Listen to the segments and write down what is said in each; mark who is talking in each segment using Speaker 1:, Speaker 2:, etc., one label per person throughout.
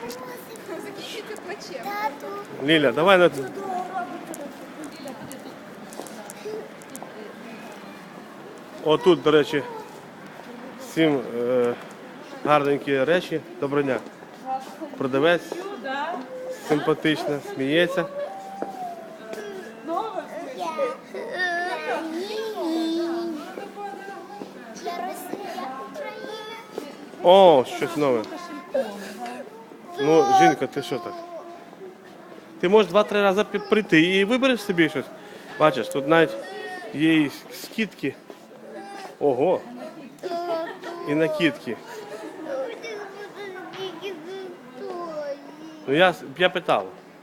Speaker 1: Закінчиться плачем.
Speaker 2: Ліля, давай на... Отут, до речі, всім гарненькі речі. Доброго дня. Продавець симпатична, сміється. О, щось нове. Ну, жінка, ти що так? Ти можеш 2-3 рази прийти і вибереш собі щось. Бачиш, тут навіть є і скидки. Ого. І накидки. Ну я питав.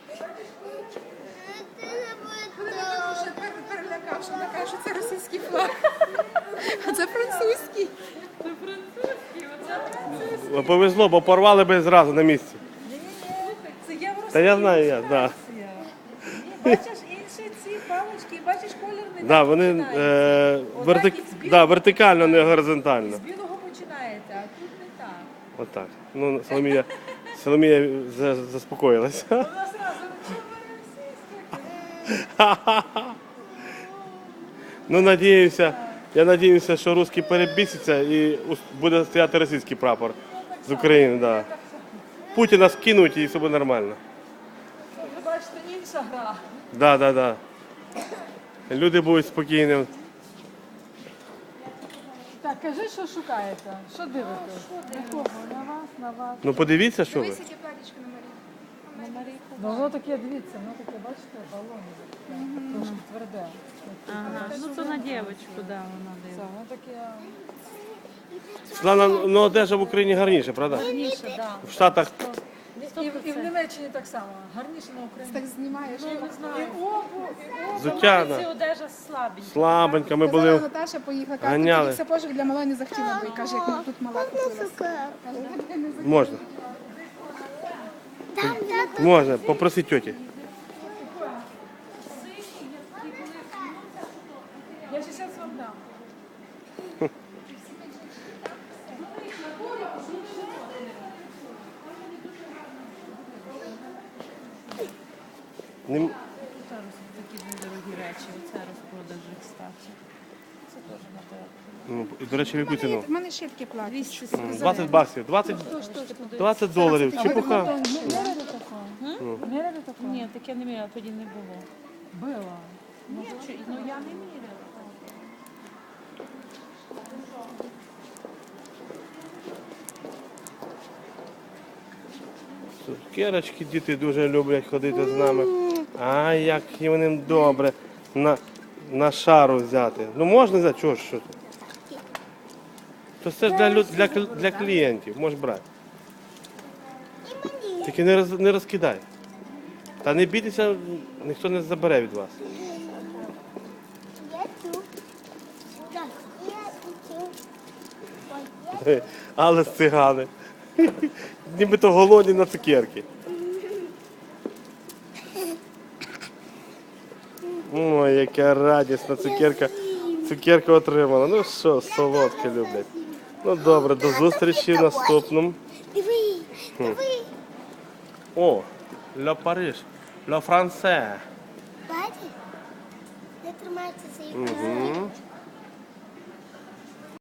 Speaker 1: Перелякав, що вона каже, що це російський флаг. А це французький. Це французький, оце французький.
Speaker 2: Повезло, бо порвали би зразу на місці.
Speaker 3: Це євросоюз.
Speaker 2: Та я знаю, я, да.
Speaker 3: Бачиш інші ці палички, бачиш колір не
Speaker 2: Да, вони вертикально, не горизонтально.
Speaker 3: з білого починається, а тут не так.
Speaker 2: Отак. Ну, Соломія заспокоїлась.
Speaker 3: Вона зразу російська.
Speaker 2: Ну, я надіюся, що русський перебіситься і буде стояти російський прапор з України. Да. Путіна скинуть і все буде нормально.
Speaker 3: Ви бачите, інша гра.
Speaker 2: Да. Люди будуть спокійні.
Speaker 3: Так, кажи, що шукаєте? Що дивитесь? На кого? На вас?
Speaker 2: Ну подивіться, що ви.
Speaker 1: Дивись, яке платічко на Марії.
Speaker 3: Ну, воно таке, дивіться, воно таке, бачите, балони. Трошки тверде.
Speaker 4: Ага, ну це на дівчинку, да, вона
Speaker 3: Це,
Speaker 4: дивиться.
Speaker 3: воно таке...
Speaker 2: Світлана, ну одежа в Україні гарніше, правда?
Speaker 4: Гарніше, да.
Speaker 2: В Штатах
Speaker 3: І в Німеччині так само. Гарніше на Україні.
Speaker 1: Так знімаєш.
Speaker 4: Ну, не знаю.
Speaker 3: І обу,
Speaker 2: взуття,
Speaker 4: Це
Speaker 2: да.
Speaker 4: одежа слабенька.
Speaker 2: Слабенька, ми
Speaker 1: Казала,
Speaker 2: були.
Speaker 1: Наташа поїхала,
Speaker 2: Ганяли.
Speaker 1: каже, все пожик для малої не захотіла, бо і каже, як ми тут мала купилася.
Speaker 2: Можна. Можна, попроси тьоті.
Speaker 3: Я ще зараз вам дам.
Speaker 2: Не-
Speaker 4: Зараз такі недорогі речі, оце розпродажі, кстати. Це теж на тебе.
Speaker 2: Ну, і, до речі, в яку ціну?
Speaker 1: У мене ще таке плаття.
Speaker 4: 240.
Speaker 2: 20 баксів, 20 доларів. Чепуха.
Speaker 3: Міряли такого? Міряли такого?
Speaker 4: Ні, таке не міряла, тоді не було.
Speaker 3: Було.
Speaker 4: Може, ну я не міряла.
Speaker 2: Цукерочки діти дуже люблять ходити з нами. Ай, як їм добре на шару взяти. Ну можна взяти, чого ж що ти? То це ж для клієнтів, можеш брати. Тільки не розкидай. Та не бійтеся, ніхто не забере від вас. Але з цигани. Нібито голодні на цукерки. Ой, яка радісна цукерка. Цукерку отримала. Ну що, солодке люблять. Ну добре, до зустрічі в наступному. О, Ля Париж, Ля Франце.
Speaker 5: Бачиш? Не тримається цей
Speaker 2: Угу.